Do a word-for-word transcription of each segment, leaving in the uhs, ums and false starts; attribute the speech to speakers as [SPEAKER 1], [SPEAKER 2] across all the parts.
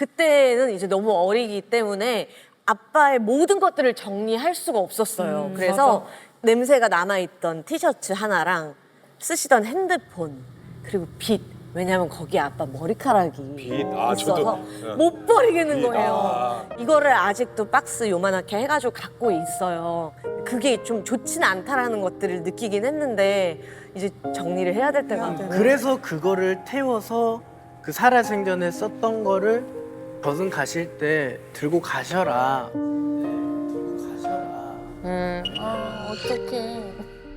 [SPEAKER 1] 그때는 이제 너무 어리기 때문에 아빠의 모든 것들을 정리할 수가 없었어요.
[SPEAKER 2] 음,
[SPEAKER 1] 그래서
[SPEAKER 2] 맞아.
[SPEAKER 1] 냄새가 남아있던 티셔츠 하나랑 쓰시던 핸드폰 그리고 빗. 왜냐면 거기에 아빠 머리카락이
[SPEAKER 3] 빗. 아,
[SPEAKER 1] 있어서
[SPEAKER 3] 저도. 네.
[SPEAKER 1] 못 버리겠는
[SPEAKER 3] 빗.
[SPEAKER 1] 거예요.
[SPEAKER 3] 아.
[SPEAKER 1] 이거를 아직도 박스 요만하게 해가지고 갖고 있어요. 그게 좀 좋지는 않다라는 것들을 느끼긴 했는데 이제 정리를 해야 될 때가 왔고.
[SPEAKER 2] 그래서 그거를 태워서 그 살아생전에 썼던 거를 저승 가실 때 들고 가셔라. 네, 들고 가셔라.
[SPEAKER 4] 음, 아, 어떡해.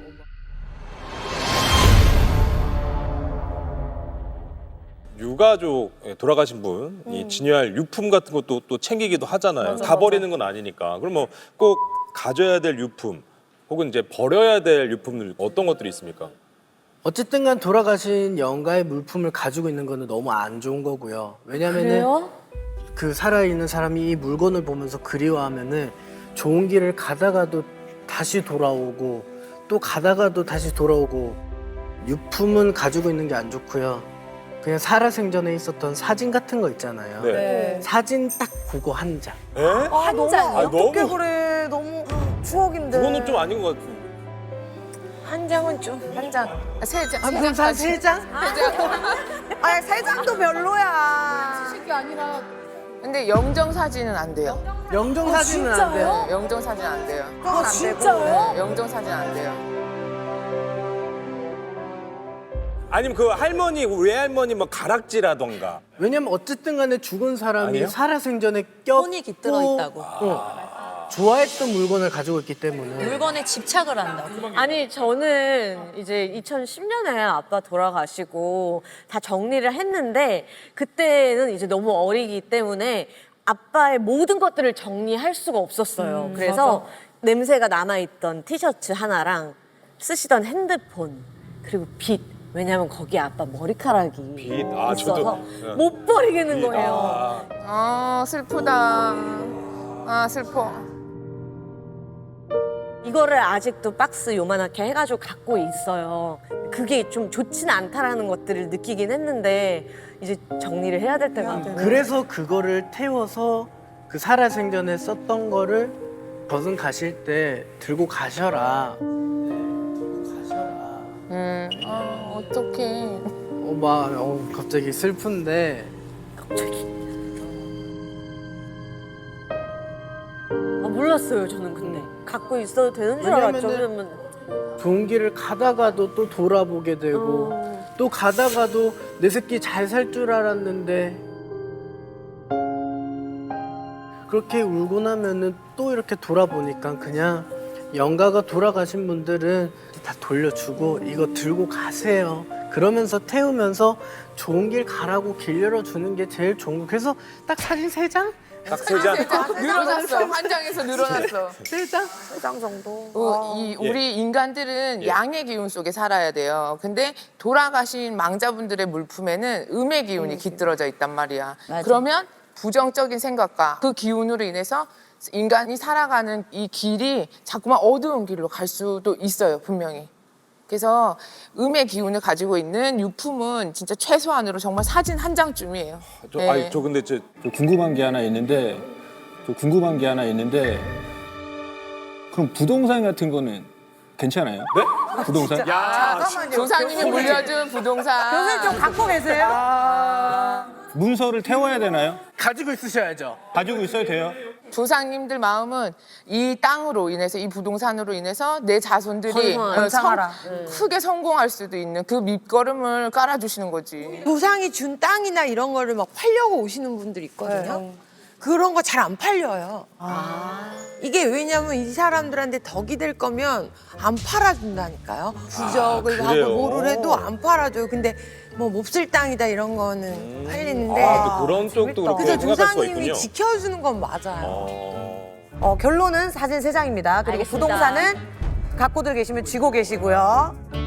[SPEAKER 3] 유가족에 돌아가신 분, 이 진열할 유품 같은 것도 또 챙기기도 하잖아요.
[SPEAKER 1] 맞아,
[SPEAKER 3] 다
[SPEAKER 1] 맞아.
[SPEAKER 3] 버리는 건 아니니까. 그럼 뭐 꼭 가져야 될 유품, 혹은 이제 버려야 될 유품들 어떤 것들이 있습니까?
[SPEAKER 2] 어쨌든 간 돌아가신 영가의 물품을 가지고 있는 거는 너무 안 좋은 거고요. 왜냐면은
[SPEAKER 1] 그래요?
[SPEAKER 2] 그 살아있는 사람이 이 물건을 보면서 그리워하면은 좋은 길을 가다가도 다시 돌아오고 또 가다가도 다시 돌아오고 유품은 가지고 있는 게 안 좋고요. 그냥 살아생전에 있었던 사진 같은 거 있잖아요.
[SPEAKER 3] 네.
[SPEAKER 2] 사진 딱 그거 한 장.
[SPEAKER 3] 에?
[SPEAKER 5] 아, 너무
[SPEAKER 1] 장이요?
[SPEAKER 5] 어떻게
[SPEAKER 3] 너무-
[SPEAKER 5] 그래? 너무 추억인데.
[SPEAKER 3] 그거는 좀 아닌 것 같은데.
[SPEAKER 5] 한 장은 좀 한 장.
[SPEAKER 4] 아, 세 장.
[SPEAKER 2] 아,
[SPEAKER 4] 세
[SPEAKER 2] 그럼
[SPEAKER 4] 장까지.
[SPEAKER 2] 세 장?
[SPEAKER 5] 아니 세 장도 별로야.
[SPEAKER 4] 게 아니라. 근데 영정 사진은 안 돼요.
[SPEAKER 2] 영정 사진은 안 돼요.
[SPEAKER 4] 네, 영정 사진 안 돼요.
[SPEAKER 5] 아 진짜요?
[SPEAKER 4] 네, 영정 사진 안 돼요.
[SPEAKER 3] 아니면 그 할머니, 외할머니 뭐 가락지라던가.
[SPEAKER 2] 왜냐면 어쨌든 간에 죽은 사람이
[SPEAKER 3] 아니에요?
[SPEAKER 2] 살아생전에 껴
[SPEAKER 6] 손이 깃들어 있다고.
[SPEAKER 2] 어, 좋아했던 물건을 가지고 있기 때문에
[SPEAKER 6] 물건에 집착을 한다고.
[SPEAKER 1] 아니 저는 이제 이천십 년에 아빠 돌아가시고 다 정리를 했는데 그때는 이제 너무 어리기 때문에 아빠의 모든 것들을 정리할 수가 없었어요. 그래서 냄새가 남아있던 티셔츠 하나랑 쓰시던 핸드폰 그리고 빗. 왜냐면 거기에 아빠 머리카락이
[SPEAKER 3] 빗. 아,
[SPEAKER 1] 있어서
[SPEAKER 3] 저도. 네.
[SPEAKER 1] 못 버리겠는
[SPEAKER 3] 빗.
[SPEAKER 1] 거예요.
[SPEAKER 3] 아.
[SPEAKER 4] 아, 슬프다. 아, 슬퍼.
[SPEAKER 1] 이거를 아직도 박스 요만하게 해가지고 갖고 있어요. 그게 좀 좋지는 않다라는 것들을 느끼긴 했는데 이제 정리를 해야 될 때가 왔고.
[SPEAKER 2] 그래서 그거를 태워서 그 살아생전에 썼던 거를 저승 가실 때 들고 가셔라. 네, 들고 가셔라.
[SPEAKER 4] 음, 아, 어떡해.
[SPEAKER 2] 어, 막 어, 갑자기 슬픈데
[SPEAKER 1] 아, 몰랐어요 저는 근데 갖고 있어도 되는 줄
[SPEAKER 2] 왜냐면은-
[SPEAKER 1] 알았죠. 왜냐면
[SPEAKER 2] 좋은 길을 가다가도 또 돌아보게 되고
[SPEAKER 1] 어.
[SPEAKER 2] 또 가다가도 내 새끼 잘 살 줄 알았는데 그렇게 울고 나면은 또 이렇게 돌아보니까 그냥 영가가 돌아가신 분들은 다 돌려주고 이거 들고 가세요. 그러면서 태우면서 좋은 길 가라고 길 열어주는 게 제일 좋은 거. 그래서 딱 사진 세 장?
[SPEAKER 3] 딱 세 장.
[SPEAKER 4] 늘어났어. 한 장에서 늘어났어.
[SPEAKER 2] 세 장?
[SPEAKER 5] 세 장 정도.
[SPEAKER 4] 어, 이 우리 인간들은 양의 기운 속에 살아야 돼요. 근데 돌아가신 망자분들의 물품에는 음의 기운이 깃들어져 있단 말이야. 그러면 부정적인 생각과 그 기운으로 인해서 인간이 살아가는 이 길이 자꾸만 어두운 길로 갈 수도 있어요, 분명히. 그래서 음의 기운을 가지고 있는 유품은 진짜 최소한으로 정말 사진 한 장쯤이에요.
[SPEAKER 3] 저,
[SPEAKER 4] 네.
[SPEAKER 3] 아니, 저 근데 저
[SPEAKER 7] 저 궁금한 게 하나 있는데, 저 궁금한 게 하나 있는데, 그럼 부동산 같은 거는 괜찮아요?
[SPEAKER 3] 네?
[SPEAKER 7] 부동산?
[SPEAKER 5] 잠깐만요.
[SPEAKER 4] 조상님이 물려준 부동산.
[SPEAKER 5] 교수님 좀 갖고 계세요?
[SPEAKER 7] 문서를 태워야 되나요?
[SPEAKER 2] 가지고 있으셔야죠.
[SPEAKER 7] 가지고 있어야 돼요?
[SPEAKER 4] 조상님들 마음은 이 땅으로 인해서 이 부동산으로 인해서 내 자손들이
[SPEAKER 1] 건강하라.
[SPEAKER 4] 어, 성-
[SPEAKER 5] 건강하라.
[SPEAKER 4] 크게 성공할 수도 있는 그 밑거름을 깔아주시는 거지.
[SPEAKER 8] 조상이 준 땅이나 이런 거를 막 팔려고 오시는 분들이 있거든요. 그런 거 잘 안 팔려요. 이게 왜냐면 이 사람들한테 덕이 될 거면 안 팔아준다니까요. 부적을
[SPEAKER 3] 아, 그래요?
[SPEAKER 8] 하고 뭐를 해도 안 팔아줘요. 근데 뭐 몹쓸 땅이다 이런 거는 팔리는데.
[SPEAKER 3] 아, 또 그런 쪽도 그렇게
[SPEAKER 8] 그래서
[SPEAKER 3] 생각할 수가
[SPEAKER 8] 조상님이
[SPEAKER 3] 있군요.
[SPEAKER 8] 지켜주는 건 맞아요.
[SPEAKER 3] 어.
[SPEAKER 5] 어, 결론은 사진 세 장입니다. 그리고
[SPEAKER 1] 알겠습니다.
[SPEAKER 5] 부동산은 갖고들 계시면 쥐고 계시고요.